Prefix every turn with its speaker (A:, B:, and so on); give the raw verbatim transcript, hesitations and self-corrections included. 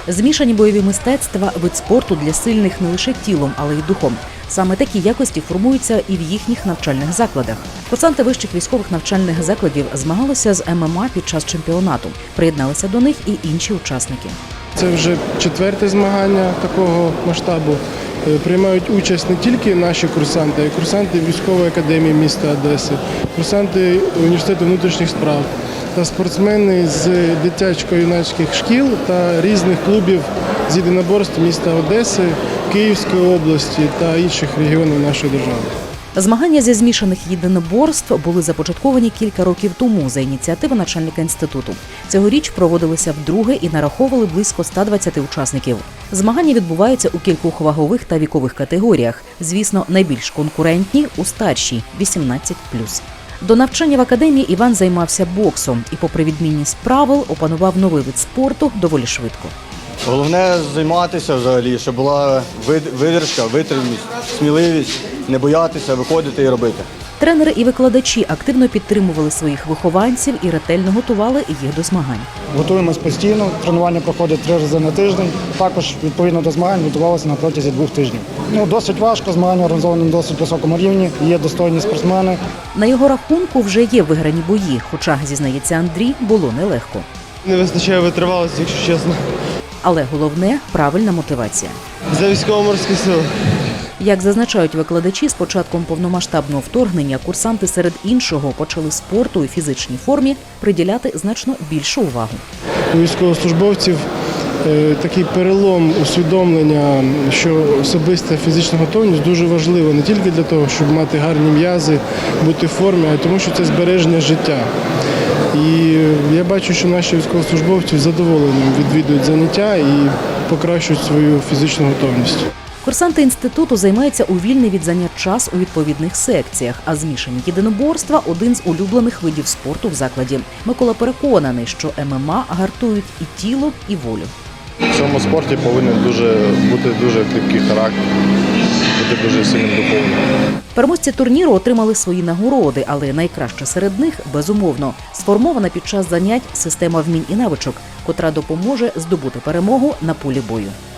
A: Змішані бойові мистецтва – вид спорту для сильних не лише тілом, але й духом. Саме такі якості формуються і в їхніх навчальних закладах. Курсанти вищих військових навчальних закладів змагалися з ем ем а під час чемпіонату. Приєдналися до них і інші учасники.
B: Це вже четверте змагання такого масштабу. Приймають участь не тільки наші курсанти, а й курсанти військової академії міста Одеси, курсанти університету внутрішніх справ та спортсмени з дитячо-юнацьких шкіл та різних клубів з єдиноборств міста Одеси, Київської області та інших регіонів нашої держави.
A: Змагання зі змішаних єдиноборств були започатковані кілька років тому за ініціативи начальника інституту. Цьогоріч проводилися вдруге і нараховували близько ста двадцяти учасників. Змагання відбуваються у кількох вагових та вікових категоріях. Звісно, найбільш конкурентні – у старшій – вісімнадцять плюс. До навчання в академії Іван займався боксом і, попри відмінність правил, опанував новий вид спорту доволі швидко.
C: Головне займатися взагалі, щоб була видержка, витриманість, сміливість, не боятися, виходити і робити.
A: Тренери і викладачі активно підтримували своїх вихованців і ретельно готували їх до змагань.
D: Готуємось постійно, тренування проходить три рази на тиждень. Також, відповідно до змагань, готувалися на протязі двох тижнів. Ну, досить важко, змагання організовані на досить високому рівні, є достойні спортсмени.
A: На його рахунку вже є виграні бої, хоча, зізнається Андрій, було нелегко.
E: Не вистачає витривалості, якщо чесно.
A: Але головне – правильна мотивація.
E: За військово-морські сили.
A: Як зазначають викладачі, з початком повномасштабного вторгнення курсанти серед іншого почали спорту і фізичній формі приділяти значно більшу увагу.
B: У військовослужбовців такий перелом усвідомлення, що особиста фізична готовність дуже важлива не тільки для того, щоб мати гарні м'язи, бути в формі, а й тому, що це збереження життя. І я бачу, що наші військовослужбовці з задоволенням відвідують заняття і покращують свою фізичну готовність.
A: Курсанти інституту займаються у вільний від занять час у відповідних секціях, а змішані єдиноборства – один з улюблених видів спорту в закладі. Микола переконаний, що ем ем а гартують і тіло, і волю.
F: В цьому спорті повинен дуже бути дуже кріпкий характер, бути дуже сильним духовним.
A: Переможці турніру отримали свої нагороди, але найкраще серед них, безумовно, сформована під час занять система вмінь і навичок, котра допоможе здобути перемогу на полі бою.